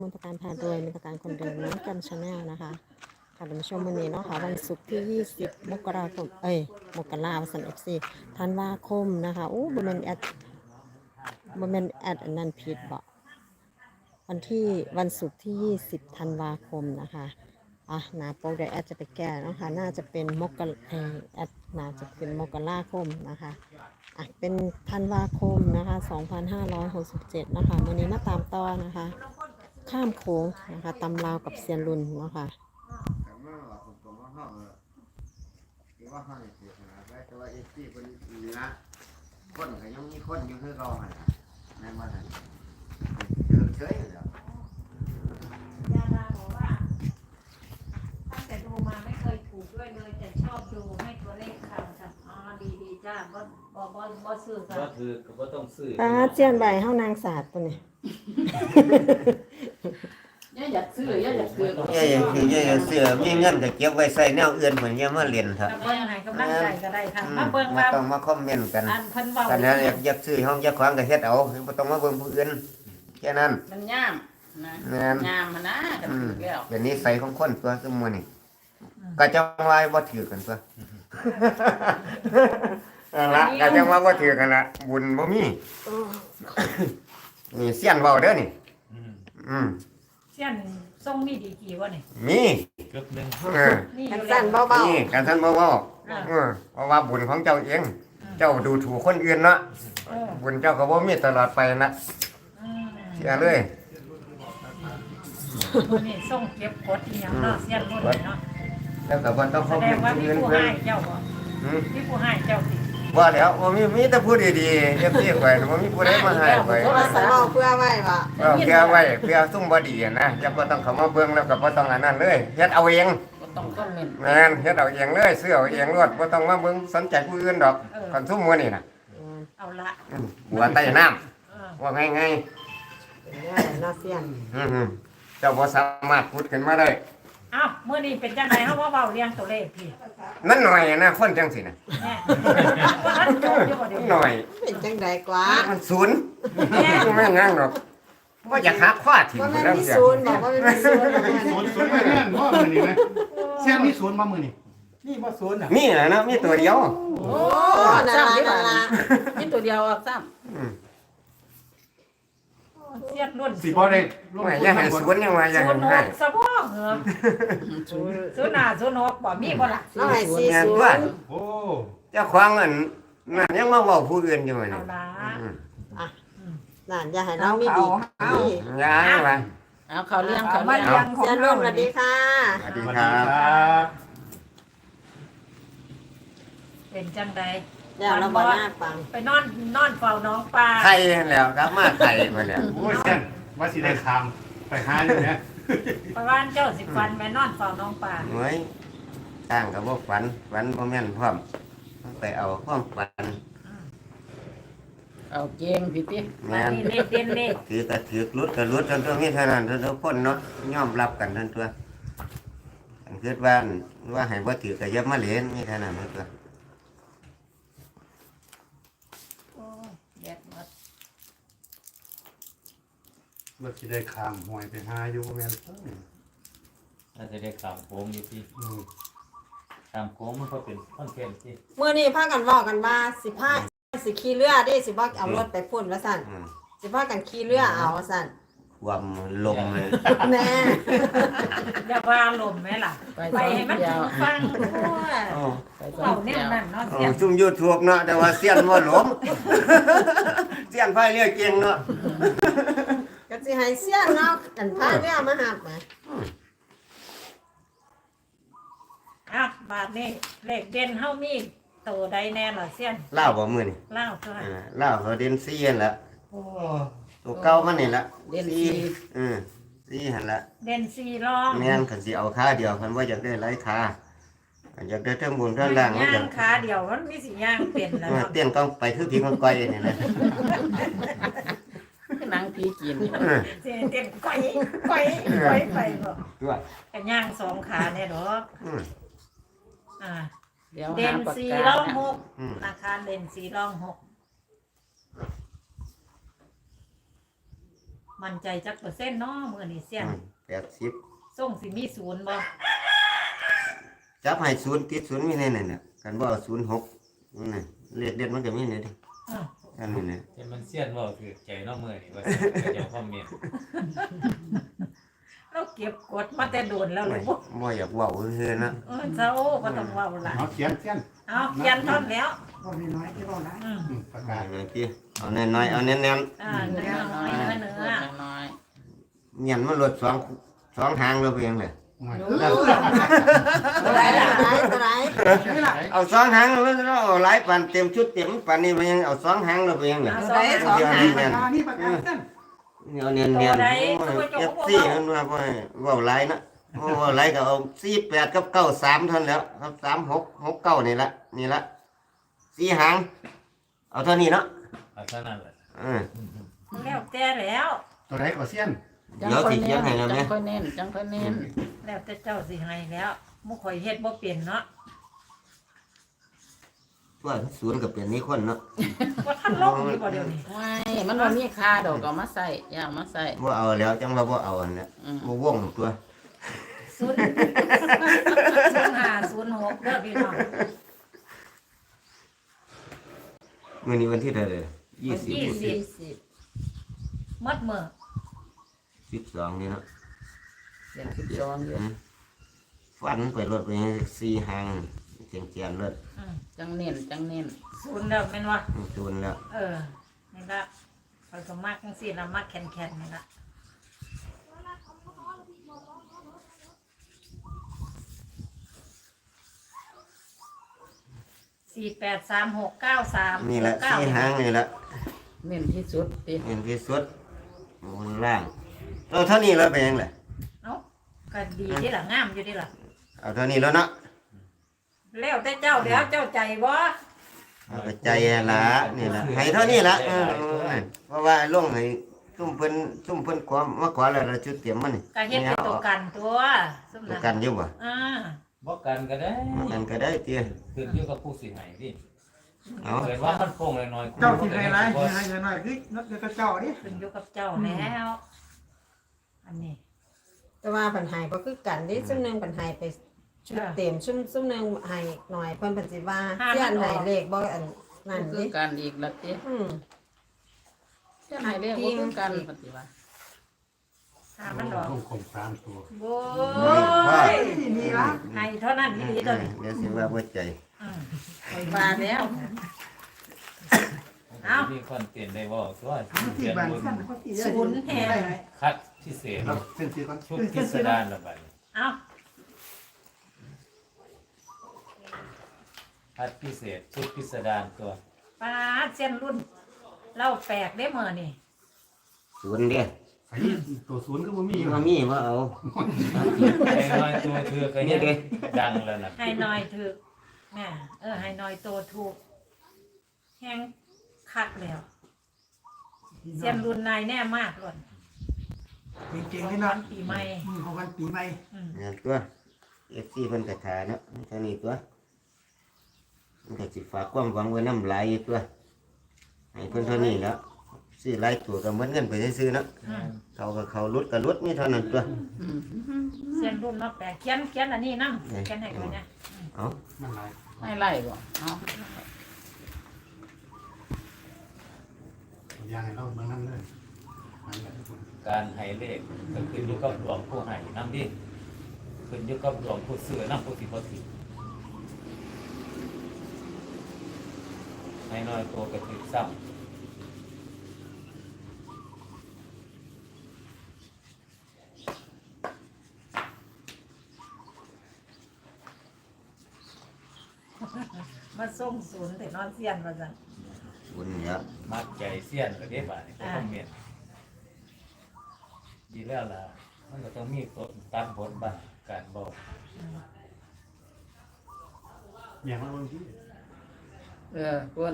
มนตการพาโดยมนตการคนเดิมน้ำกันชาแนลนะคะค่ะท่านผู้ชมวันนี้เนาะค่ะวันศุกร์ที่20 มกราคมมกราคม24ธันวาคมนะคะโอ้บ่แม่นแอดอันนั้นผิดบ่วันศุกร์ที่20ธันวาคมนะคะหน้าปกเดี๋ยวแอดจะไปแก้เนาะค่ะน่าจะเป็นแอดน่าจะเป็นมกราคมนะคะเป็นธันวาคมนะคะ2567นะคะวันนี้มาตามต่อนะคะข้ามโค้งนะคะตำราวกับเซียนรุ่นเนาะค่ะคนก็ยังมีคนอยู่คือเราในวันนั้นเฉยๆเลยยาดาบอกว่าตั้งแต่ดูมาไม่เคยถูกด้วยเลยแต่ชอบดูให้ตัวเลขข่าวค่ะดีจ้าบ่ซื้อค่ะก็คือก็ต้องซื้อเจียนใบเฮานางศาสตร์ตัวนี้ย่าอยากซื้อย่าอยากซื้อย่าเสือมีเงินก็เก็บไว้ใส่แนวอื่นเหมือนยังมาเรียนครับกำลังให้กำลังใจก็ได้ค่ะมาเบิ่งว่าต้องมาคอมเมนต์กันอันเพิ่นเว้ากันนั้นอยากซื้อห้องอยากขวางก็เฮ็ดเอาบ่ต้องมาเบิ่งผู้อื่นแค่นั้นมันย่ามนะแม่นย่ามมันนะกันถือแล้วเป็นนิสัยของคนตัวซุมื้อนี่ก็จังว่าบ่ถือกันตัวนั่นละก็จังว่าบ่ถือกันละบุญบ่มีนี่เสียนเว้าเด้อนี่เสี้ยนทรงมีดีกี่วะนี่มีเกือบหนึ่งนี่อกันยู่สั้นเบานี่กันท่านบ่เว้าเพราะว่าบุญของเจ้าเอง เจ้าดูถูกคนอื่นเนาะบุญเจ้าก็บ่มีตลอดไปนะเชื่อเลยนี่ทรงเก็บกดอีหยังเนาะเสี้ยนรุ่นเนาะแล้วก็บ่ต้องแสเข้าดเพิ่งนว่าคนมีอื่นผู้เพิ่นให้เจ้าบ่มีผู้ให้เจ้าสิว่าแล้วบ่มีแต่ผู้ดีๆเอฟซีข่อยบ่มีผู้ใดมาให้ข่อยๆว่าสมองเพื่อไว้บ่เพื่อไว้เพื่อซุ่มบ่ดีนะอย่าบ่ต้องเข้ามาเบิ่งแล้วก็บ่ต้องอันนั้นเลยเฮ็ดเอาเองก็ต้องคอมเมนต์แม่นเฮ็ดเอาเองเลยซื้อเอาเองรวดบ่ต้องมาเบิ่งสนใจผู้อื่นดอกคนซุ่มมื้อนี่น่ะเอาละบัวใต้น้ำว่าง่ายเป็นง่ายน่าเซียนๆเจ้าบ่สามารถพูดขึ้นมาได้เอ้ามื้อนี้เป็นจังไดเฮาว่าเว้าเรียงตัวเลขพี่มันหน่อยนะคนจังสิน่ะแน่ว่าท่านโจอยู่บ่เดี๋ยวหน่อยเป็นจังใดกว่ามันศูนย์แม่งงั้งดอกว่าจะหาข้อถิ่นว่าแม่นแล้วมีเสียศูนย์บอกว่าไม่มีศูนย์แล้วมันศูนย์มาแน่นว่ามือนี่นะแซมมีศูนย์มามือนี่นี่มาศูนย์อ่ะมีนะมีตัวเดียวโอ้นั่นล่ะนี่ตัวเดียวออกซ้เสี้ยนรุ่นสิบ่ได้ลงไม่ทุนอย่าให้ศูนย์ยังว่าอย่าศูให้นย์หให้กสะพ่อเหรอำศูนย์ศูนย์หน้าศูนย์หกบ่มีบ่ล่ะเราให้สี่แม่นศูนว่าย์โอ้เจ้าของอันนั่นยังมาเว้าผู้อื่นอยู่เอานี่ละนั่นอย่าให้เรามีดีย้ายมาเอาเขาเลี้ยงเขาเลี้ยงเซียนรุ่นสวัสดีค่ะสวัสดีสวัสคดีรับครับเป็นจังใดเดี๋ยวเราบอกหน้าฟังไปนอนเฝ้าน้องปลาไทยแล้วครับมาไทยมาแล้วโอ้ยแซมว่าสิได้คามไปหาอยู่เนี่ยประวานเจ้าสิฟันไปนอนเฝ้าน้องปลาเฮ้ยสร้างกับบ่ฝันบ่แม่นพร้อมไปเอาความฝันเอาเจงพี่ติแม่นนี่เลขเด่นเลขถือก็ถือรุดก็รุดจนตัวมีเท่านั้นทุกคนเนาะยอมรับกันทั้งตัวอันคิดว่าให้บ่ถือก็อย่ามาเล่นมีเท่านั้นตัวโอ้แยกหมดว่าสิได้คามหวยไปหาอยู่บ่แม่นน่าจะได้ขามโค้งอยู่ที่อืมขามโค้งมันก็เป็นคอนเทนต์ที่เมื่อนี้พากันบอกกันว่าสิขี่เรือดิสิบ่เอารถไปพุ่นว่าสั่นสิพากันขี่เรือเอาว่าสั่นความลมเลยแน่อย่าว่าลมไหมล่ะ ไปให้มันถึงฟังทั่วไปสอเฝ้าง แน่เดียวนั่นเนาะเสียงซุ่มยูทูบเนาะแต่ว่าเสียนบ่หลมเสียนไฟเรือเก่งเนาะก็สิให้เสียนเนาะกันพาเรือมาหับมาอ่ะบาทนี้เลขเด่นเฮามีโตใดแน่ล่ะเสียนเล่าบ่มื้อนี่เล่าตัวเล่าเขาเด่น4นั่นละโอ้ตัวเก่ามันนี่ละเล่นซี 4หั่นละเด่นสี่รองแม่นคันสิเอาขาเดียวคันว่าอยากได้หลายขาอยากได้เทั้งบนเทั้งล่างมันย่าก็งขาเดียวมันมีสิย่างเป็นแล้วเนาะเตี้ยนต้องไปคือพี่มันก้อยนี่นะหนังผีกินนี่สิเต็มก้อยไปบ่ว่าก็ย่างสองขาเนี่ยดอกอ่าเดี๋ยวเด่หาน ปากสี่การองหกอาคารเด่นสี่รองหกมั่นใจจักเปอร์เซ็นต์เนาะมื้อนี้เสียน 80 ส่งสิมีศูนย์บ่จับให้ศูนย์ติดศูนย์มีในนั่นน่ะกันบ่เอา06นั่นน่ะเลขเด็ดมันก็มีในนี่อืออันนี้น่ะแต่มันเสี้ยนเว่าถือใจเนอกมือนี่ว่าเดี๋ยวคอมเมนต์เราเก็บกดมาแต่โดนแล้วเลยบ่บ่อยากเว้าซื่อๆนะเจ้าบ่ต้องเว้าล่ะเอาเขียนเขียนเอาเขียนท่อนแล้วบ่มีน้อยที่บ่ได้ประได้กาศแม่พี่เอาน้อยๆเอาเน้นเนื้อน้อยเนื้อน้อยๆเงียนมันลด2หางแล้วเพียงเลยหน่อยตัวไหนล่ะตัวไหนเอา2หางแล้วเอาหลายปานเต็มชุดเต็มปานนี้มันยังเอา2หางแล้วเพียงเลยตัวไหนสองหางประกาศนี่ประกาศเส้นเอาเนียนๆ FC เพิ่นว่าบ่ให้เว้าหลายนะเว้าหลายก็เอา48กับ93เท่านั้นแหล้วครับ3669นี่ละ4หางเอาเท่านี้เนาะเอาเท่านั้นแหละแล้วแต่แล้วตัวไหนก็เส้นจังค่อยเน้นจังค่อยเน้นจังค่อยเน้นแล้วแต่เจ้าสิให้แล้วมุข่อยเฮ็ดบ่เป็นเนาะว่าศูนย์ก็เป็นนี่คนเนาะว่าท่านลงอยู่บ่เดี๋ยวนี้ไม่มันบ่มีค่าดอกก็มาใส่อย่ามาใส่บ่เอาแล้วจังว่าบ่เอาอันนี้บ่วงตัว 0506เด้อพี่น้องมื้อนี้วันที่เท่าไหร่ 20 20 มัดมื้อ 12นี่เนาะเดือน12อยู่ฟันไปรถไป4หางเจียนๆรถจังเน้นจังเน้นศูนย์แล้วแม่นว่าจูนแล้วนี่ละข่อยก็มักจังซี่ละมักแข็งๆนี่ละ483693 นี่แหละ4หางนี่แหละเน้นที่สุดติเห็นที่สุดบนล่างเอาเท่านี้แล้วเป็นยังไงเอ้าก็ดีเด้ล่ะงามอยู่เด้ล่ะเอาเท่านี้แล้วเนาะแล้วแต่เจ้าแล้วเจ้าใจบ่เอาไปใจละนี่ละให้เท่านี้ละเพราะว่าลงให้ซุ่มเพิ่นความมาขอแล้วเราจุดเตรียมมันนี่ก็เฮ็ดเป็นตัวกันตัวซุมตัวนั้นกันอยู่บ่บอกกันก็ได้กันก็ได้เตี้ยขึ้นอยู่กับผู้สิให้ดิเอาเกิดว่ามันโป่งน้อยๆเจ้าที่ให้ไรให้เงินหน่อยคือนักเรียนเจ้าดิขึ้นอยู่กับเจ้าแล้ว อันนี้แต่ว่าปัญหาก็คือกันที่ซุ่มหนึงปัญหาไปชุดเต็มซุ่มหนึงให้หน่อยเพิ่นปัจจิว่าเสี้ยนให้เลขบ่อันนั่นคืดิอกันอีกละติ เสี้ยนให้เรียกว่าคือกันปฏิว่าถ้ามันดอกต้องคง3ตัวโอ้ยมีละให้เท่านั้นอีหลีตัวนี้เดี๋ยวสิว่าบ่ใจไปมาแล้ว เอามีคอนเทนต์ได้บอกว่าที่เขียนบ้านบนสั่นเขาสิศูนย์แทนคัดพิเศษเอาเส้นสีก่อนชุดพิสดารละบัดนี้เอาคัดพิเศษชุดพิสดารตัวปลาเส้นรุ่นเล่าแปลกได้เมื่อนี่ศูนย์เด้อไอ้ตัวศูนย์ก็บ่มีอยู่บ่มีบ่เอาไอ้น้อยตัวเธอก็ยังดังแล้วนะให้หน่อยถูกแม่ให้หน่อยโตถูกแห้งคักแล้วเส้นรุ่นนายแน่มากเลยเก่งๆเลยเนาะปีใหม่ของวันปีใหม่งานตัว FC เพิ่นก็ทาเนาะเท่านี้ตัวมันก็สิฝากความหวังไว้นำหลายอยู่ตัวให้เพิ่นเท่านี้แล้วซื้อหลายตัวก็เหมือนเงินไปซื้อๆเนาะเขาลุดก็ลุดมีเท่านั้นตัวเส้นรุ่นมาแปลกเขียนอันนี้นั่งเขียนให้ก่อนนะเอามันหลายไม่ไล่บ่เอาอยางให้เราเบิ่งนำเลยมันแบบการให้เลขก็ขึ้นอยู่กับดวงผู้ให้นำดิขึ้นอยู่กับดวงผู้ซื้อนำผู้สิบ่ถือให้น้อยตัวก็ถือซ้ำมาส่งศูนย์แต่นอนเสียนมาสั่นบุญเนี่ยมัดใจเสี้ยนก็ได้บาดนี่ก็ต้องเมียนดีแล้วล่ะมันก็ต้องมีตัวตัดบทบาทการบอกอย่างว่าบางทีเพิ่น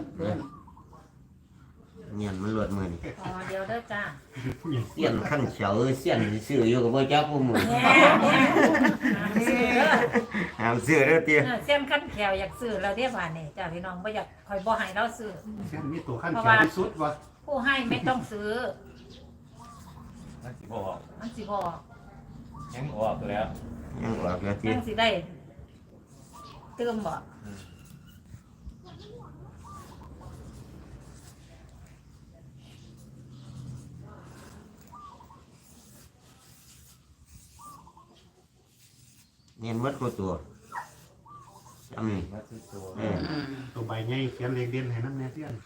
เงียนมันหลดมือนี่อ๋อเดี๋ยวเด้อจ้าเสี้ยนขั้นเฉาเสี้ยนซื้ออยู่กับพ่อเจ้าผู้มือแน่ซื้อเด้อห้ามซื้อเด้อเตี้ยเส้นขั้นแขวอยากซื้อแล้วเรียกว่านี่จ้าพี่น้องบ่อยากคอยบ่ให้เราซื้อเส้นมีตัวขั้นเขียวที่สุดวะผู้ให้ไม่ต้องซื้อมันสิบ่ออกมันสิบอกยังออกแล้วยังออกแล้วที่ยังสิได้เติมบ่เนียนวัดกูตัวจำนี่มาที่ตัวตัวใบใหญ่เขียนเลขเด่นให้น้ำแน่เตี้ยน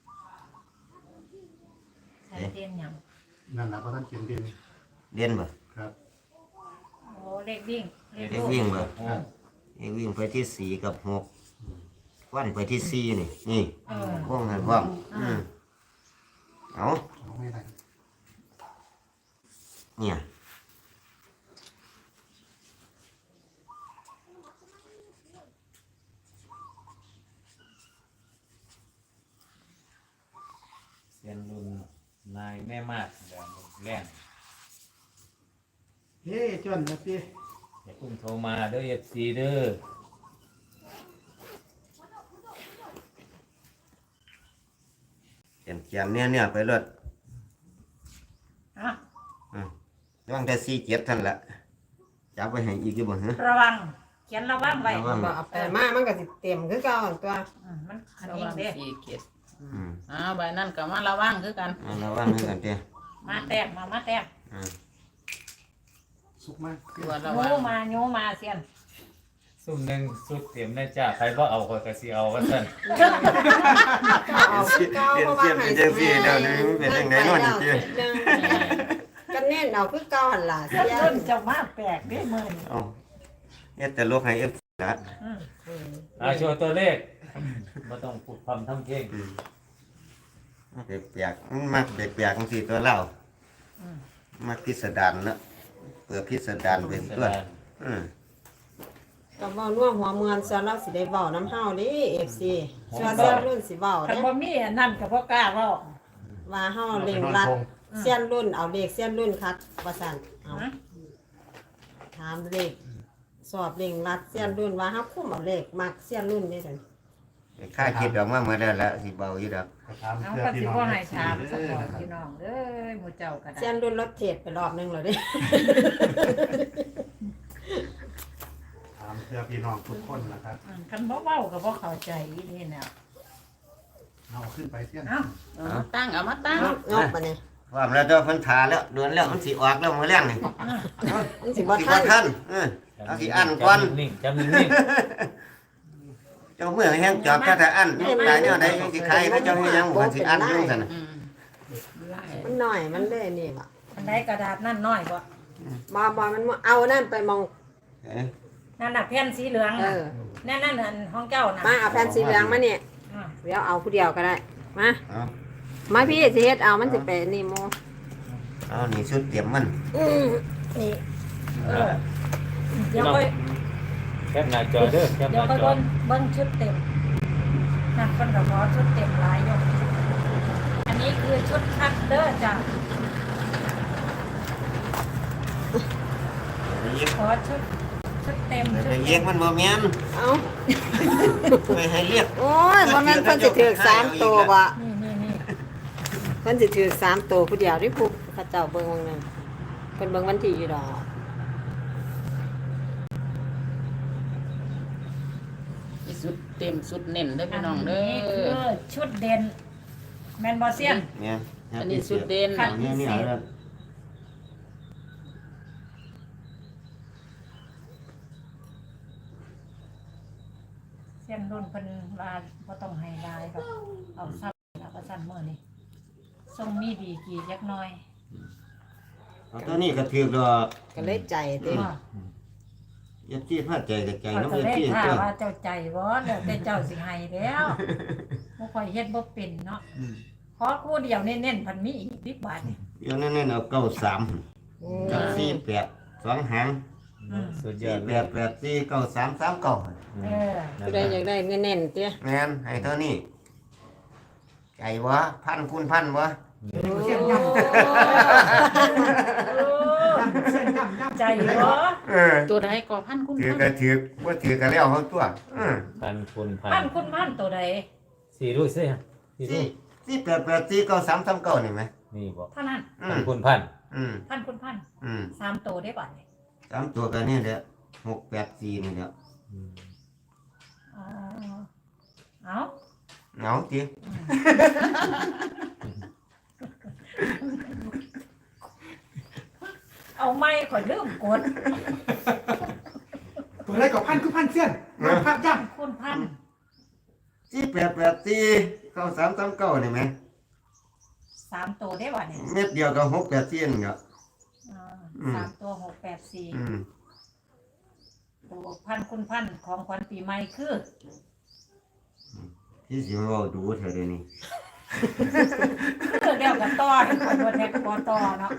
ใช้เตียนหยังนั่นแหละเพราะท่านเขียนเด่นเรียนบ่ครับโอ้เลขวิ่งเลขเด็กลูกวิ่งบ่โอ้เด็กวิ่งไปที่สี่กับหกวันไปที่สี่นี่นี่เออว่องให้พร้อมเอาเอาไม่ได้เนี่ยเซียนรุ่นนายแม่มาดแดงแรงเฮ้จนนะพี่อย่าเพิ่งโทรมาเด้อ FC เด้อเขียนเนี่ยไปรถอ่ะว่างแต่สี่เจ็ดท่านละจับไปให้อีกอยู่บ่ฮะระวังเขียนระวังไว้ระวังบ่เอาไปมามันก็สิเต็มคือเก่าหั่นตัวมันอันระนี้วังเด้สี่เกียรติอืมใบนั่นก็มาระวังคือกันเอาระวังให้กันเด้อมาแต้มมาแต้มอืมสุกมากตัวระโยวังมาโยมาเซียนซุ่มหนึ่งสุดเตรียมได้จ้าใครบ่เอาก็สิเอาว่าซั่นเอาคือเก่าเพราะว่าให้เป็นจังซี่เดี๋ยวนี้มันเป็นจังไดเนาะนี่เจ้ก็แน่นเอาคือเก่าหั่นล่ะเซียนเสียต้นจะมาแปลกได้มื้อนี้เอาเฮ็ดแต่ลูกให้ FC ละอืมโชว์ตัวเลขบ่ต้องพูดพร่ำทำเพลงเปียกๆมันมักเปียกๆจังซี่ตัวเรามักพิสดารเนาะเปิดพิสดารเป็นตัวอืมก็เว้าน่วมหัวเมือนซะเราสิได้เว้าน้ำเฮาเด้ FC ส่วนเสียนรุ่นสิเว้าคันเด้บ่มีอันนั้นก็บ่กล้าเว้าว่าเฮาเร่งรัดเสียนรุ่นเอาเลขเสียนรุ่นคักว่าซั่นเอาฮะถามเลขสอบเร่งรัดเสียนรุ่นว่าเฮาคุมเอาเลขมักเสียนรุ่นได้ซั่นค่าคิดออกมาเมื่อได้แล้วสิเบาอยู่ดอกก็ถามเอาเพื่อก็พี่สิน้องบ่ให้ถามสักก่อนพี่น้องเอ้ยหมู่เจ้าก็ได้เสียนรุ่นรถเทศไปรอบนึงแล้วเด้ถามเพื่อพี่น้องทุกคนนะครับคันบ่เว้าก็บ่เข้าใจอีนี่แนวเอาขึ้นไปเตี้ยนเอ้าเอามาตั้งเอามาตั้งยกมาเนี่ยว่าแล้วเจ้าเพิ่นทาแล้วเดือนแล้วมันสิออกแล้วมื้อแรงนี่มันสิบ่สิทับ่นทันเอาสิอันก่อนนิ่งๆจำนิ่งเจ้าเมื่อแห้งจอบแต่อันตายแนวใดสิใครพระเจ้าเฮ็ดหยังบ่สิอันอยู่ซั่นน่ะอืมไล่มันหน่อยมันเลยนี่บ่อันใดกระดาษนั่นน้อยบ่บ่มันเอานั่นไปมองเอ้ยนั่นน่ะแผ่นสีเหลืองเอน่ะอนั่นอันของเจ้าน่ะมาเอาแผ่นสีเหลืองมาเนี่ยอ่าเดี๋ยวเอาผู้เดียวก็ได้มาเอามาพี่สิเฮ็ดเอามันสิไปนี่โมเอานี่ชุดเตรียมมันนี่เออเดี๋ยวค่อยๆแคปหน้าจอเด้อแคปหเดี๋ยวน้าค่อยจอเบิ่งชุดเต็มนั่นเพิ่นก็ขอชุดเต็มหลายอยู่อันนี้คือชุดคัดเด้อจ้ะอีกขอชุดเต็มชุดไปเต็เรียกมมันบ่แม่นเอาไปให้เรียกโอ้ยบ่แม่นเพิ่นสิถือ3ตัวบ่นี่เพิ่นสิถือ3ตัวผู้เดียวดิผู้เขาเจ้าเบิ่งวงนึงเพิ่นเบิ่งวันที่อยู่ดอกมีสุดเต็มสุดเน้นเด้ออัพี่นน้องเด้นี้คืออชุดเด่นแมนบอเซียนแม่นอันนี้สุดเด่นนี่นี่เอาแล้วเซียนรุ่นเพิ่นลาบ่ต้องให้ลายแบบเอาซ้ำแล้วก็ซ้ำมื้อนี้ทรงมีดีกี่จักหน่อยเอาตัวนี้ก็ถือดอกก็เลยใจเต็มว่ายัดที่พาใจกับใจก็น้องจะยัดได้ที่ท่าตัวว่าเจ้าใจบ่แล้วแต่เจ้าสิให้แล้วบ่ค่อยเฮ็ดบ่เป็นเนาะขอคู่เดียวเน้นๆพันมีอีกบิ๊กบาทนี่เดี๋ยวนั่นเอา93กับ48 2หางสุดยอดเลย 48 4 93 39 เออผู้ใดอยากได้เงินแน่นเตี้ยแม่นให้เท่านี้ใจวะพันคูณพันวะเสียงยำใจบ่เออตัวใดก็พันคุณถือพันก็ถือว่าถือก็แล้วเขาตัวพันคุณพันพันคุณพันตัวใดสี่รู้สิสี่รู้ที่88 4 93 39นี่ไหมนี่บอกเท่านั้นพันคุณพันแพันคุณพัน 3 โตได้บ่เนี่ย 3ตัวกันนี่แหละ684นี่แหละอ๋อเอาเอาติเอาไม้ข่อยลืมกดตัวอะไรกับพันคือพันเสี้ยนมาพักย่คุณพัน 4884เข้า339นี่แหม 3 โตได้บ่เนี่ยเม็ดเดียวก็684นี่ก็ 3 ตัว 684 อืมตัวพันคุณพันของขวัญปีใหม่คือที่สิเว้าดูเท่าเดี๋ยวนี้เดียวกับต่อคนบนแท็กปอต่อเนาะ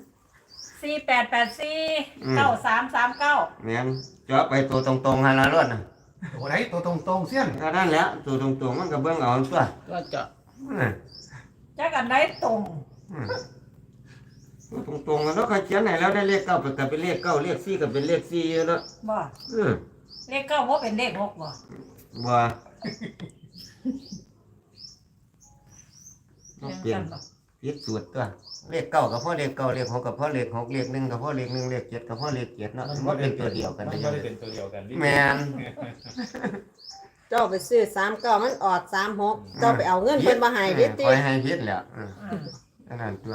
4884 9339 แม่นจ่อไปตัวตรงๆหั่นล่ะรถน่ะำตัวไหนตัวตรงๆเสี้ยนก็นั่นแหละตัวตรงๆมันก็เบิ่งเอาตัวก็เจาะจักอันได้ตรงตรงๆกันเนาะเขาเขียนให้แล้วได้เลข9ก็เป็นเลข9เลข4ก็เป็นเลข4อยู่เนาะบ่ เลข9บ่เป็นเลข6บ่บ่เปเปลี่ลี่ยยนนบ่ผิดสูตรตัวเลข9ก็พอเลข9เลข6ก็พอเลข6เลข1ก็พอเลข1เลข7ก็พอเลข7เนาะมันเป็นตัวเดียวกันมันได้ไม่ยังได้เป็นตัวเดียวกันแม่นเจ้าไปซื้อ39มันออก36เจ้าไปเอาเงินเพิ่นมาให้ดิติคอยให้ผิดแล้วอันนั้นตัว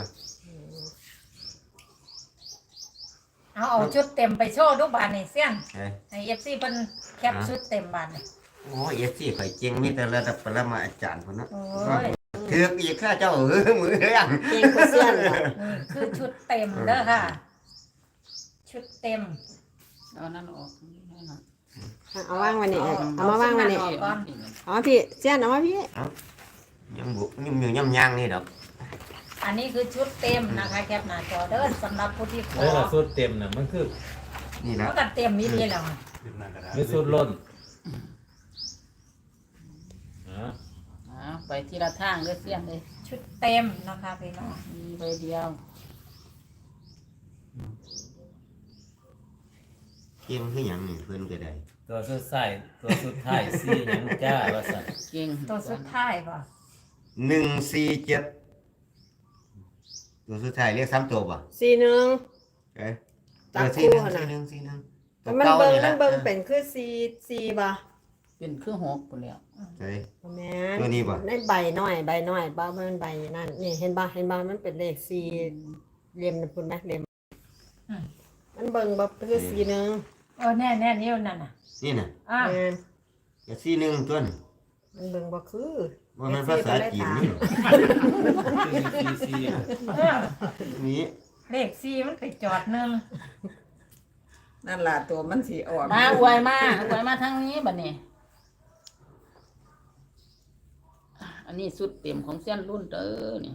เอาชุดเต็มไปโชว์ดูบานนี่เสี้ยนเอ้ยให้ FC เพิ่นแคปชุดเต็มบานนี่โอ้ยสิข่อยเก่งมีแต่ระดับปรมาอาจารย์พุ่นเนาะโอ้ยถือกอีกข้าเจ้ามือเรื่องเก่งกว่าเซียนเหรอนี่คือชุดเต็มเด้อค่ะ ชุดเต็มเอานั่นออกนี่นะเอาวางไว้นี่เอามาวางไว้นี่เอาก่อนเอามาพี่เซียนเอามาพี่ยังบุยุ่มอยู่ย่ำยางนี่ดอกอันนี้คือชุดเต็มนะคะแคปหน้าจอเด้อสำหรับผู้ที่ขอแล้วล่ะสุดเต็มน่ะมันคือนี่มัละนก็เต็มมีดีแล้วอะไม่สุดล้นอ่าไปทีละทางเลยเสี้ยนเลยชุดเต็มนะคะพี่น้องมีใบเดียวเก่งคือหยังนี่เพิ่นก็ได้ตัวสุดท้ายตัวสุดท้ายซี่หยังจ้าว่าสั่นเก่งตัวสุดท้ายป่ะ 147ตัวสุดท้ายเรียก3ตัวบ่ 41 เอ้ยจับสี่คู่หนึ่งหั่นน่ะสี่หนึ่งแต่มันเบิ่งมันเบิ่งเป็นคือ4บ่เป็นเครื่องหกปุ่นแล้วใช่แม่นตัวนี้บ่ในใบน้อยบ่มันใบนั่นนี่เห็นบ่มันเป็นเลข4เหลี่ยมนั่นพุ่นแม่เหลี่ยมมันเบิ่งบ่คือ41 แน่นิ้วนั่นน่ะนี่น่ะอ่าแม่นก็41ตัวน่ะมันเบิ่งบ่คือบ่แม่นภาษาจีนนี่ซี่เออนี่เลข4มันไปจอดหนึงนั่นล่ะตัวมันสีออกมาอวยมาทางนี้บัดนี้อันนี้สุดเต็มของเสี้ยนรุ่นเด้อนี่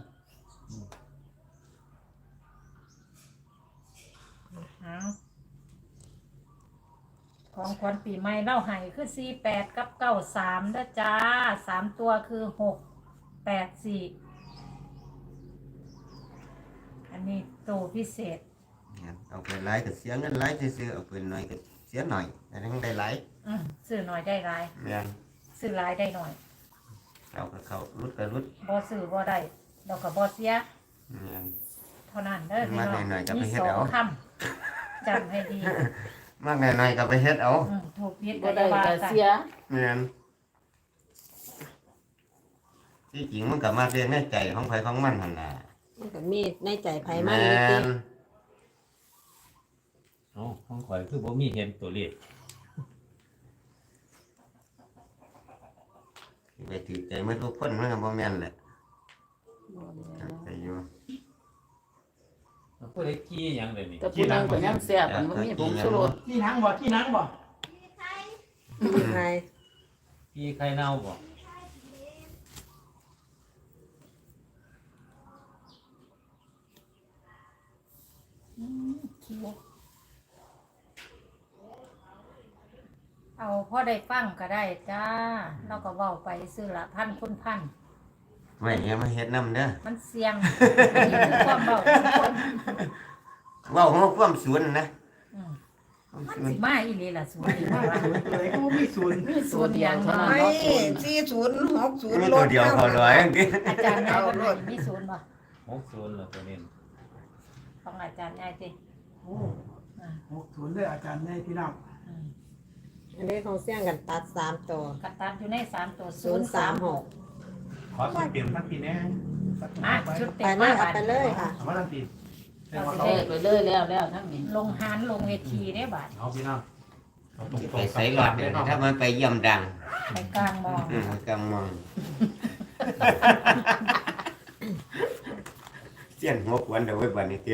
เอาของขวัญปีใหม่เล่าให้คือ48กับ93เด้อจ้า3ตัวคือ684อันนี้ตัวพิเศษเอาไปหลายก็เสียเงินหลายซื่อๆเอาไปหน่อยก็เสียหน่อยแต่ทั้งได้หลายซื้อน้อยได้หลายแม่นซื้อหลายได้น้อยเอาก็เข้ารุดก็รุดบ่ซื้อบ่ได้เราก็บ่เสียแม่นเท่านั้นเด้อพี่น้องมาหน่อยๆก็ไปมีเฮ็ดสองเอาคำจำให้ดีมากหน่อยๆก็ไปเฮ็ดเอาถูกผิดบ่ก็ได้จะว่าก็กันเสียแม่นที่จริงมันก็มาเรียนในใจของไผของมันหั่นล่ะมันก็มีในใจไผมันแม่นี่ตินเอ้าห้องข่อยคือบ่มีเห็นตัวเลขไปถือใจมันทุกคนมันก็บ่แม่นแหละใจอยู่ผู้ใดกี้หยังเลยนี่แต่ผู้นั้นก็ยังแซ่บมันบ่มีผงชูรสที่นังบ่ที่นังบ่ใครกี้ไข่เน่าบ่เอาพ่อได้ฟังก็ได้จ้าเราก็เว้าไปซื้อละพันคุณพันไว้อย่ามาเฮ็ดนำเด้อมันเสี่ยงอันนี้คือความเว้าของคนเว้าของความสวนนะอืมความมันสวนสิมาอีหลีล่ะสวยดีมากตัวไหนก็บ่มีศูนย์มีส่วนเดียวเท่านั้นไม่เนาะส่วน 4060 มีตัวเดียวเขาร้อยอาจารย์แม่ก็มีศูนย์บ่ 60แล้วตัวนี้ของอาจารย์ยายสิโอ้60เลยอาจารย์ได้พี่น้องอันนี้ของเสี่ยงกันตัด3ตัวกระตัดอยู่ใน3ตัว 036 ขอสุดเปลี่ยนทันทีแน่มาชุดไปเต็มเลมายเอาไปเลยค่ะเอามาทันทีเลขไปเลยแล้วทั้งนี้ลงหานลงเวทีได้บาดเอาพี่น้องเอาตรงไปใส่หลอดเดี๋ยวถ้ามันไปเยี่ยมดังไปกลางมองกำมองเสี้ยนหัวขวนเดี๋ยวไว้บันนี้เตี้ย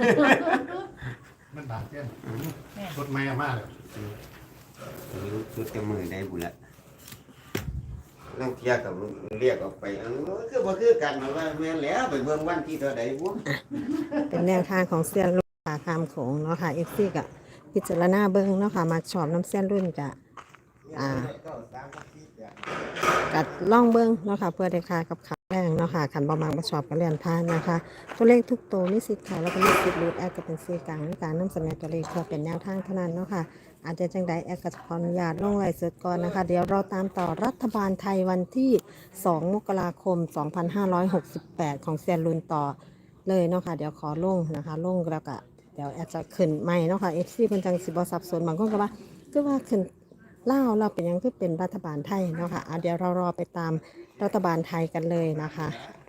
มันบาดเจ็บรถไม่เอามาเลยสุดจะมือได้บุละต้องเที่ยกับเรียกออกไปคือบ่คือกันว่าแม่นแล้วไปเบิ่งวันที่เท่าใดบุเป็นแนวทางของเซียนรุ่นขาคามโขงเนาะค่ะ FC ก็พิจารณาเบิ่งเนาะค่ะมาชอบน้ำเซียนรุ่นกะกัดล่องเบิ่งเนาะค่ะเพื่อได้ค่ากับขาแรงเนาะค่ะขันบ่มักบ่ชอบก็เลื่อนผ่านนะคะ ตัวเลขทุกตัวมีสิทธิ์ค่ะแล้วก็มีสิทธิ์หลุดแอดก็เป็นสื่อกลางในการนำเสนอตัวเลขเพื่อเป็นแนวทางเท่านั้นเนาะค่ะอาจจะจังใดแอดก็จะขออนุญาตลงไลฟ์สดก่อนนะคะ เดี๋ยวเราตามต่อรัฐบาลไทยวันที่ 2 มกราคม 2568 ของเซียนรุ่นต่อเลยเนาะค่ะเดี๋ยวขอลงนะคะลงแล้วก็เดี๋ยวแอดจะขึ้นใหม่เนาะค่ะ FC เพิ่นจังสิบ่สับสนบางคนก็ว่าคือว่าขึ้นลาวเราเป็นหยังคือเป็นรัฐบาลไทยเนาะค่ะเดี๋ยวเรารอไปตามรัฐบาลไทยกันเลยนะคะ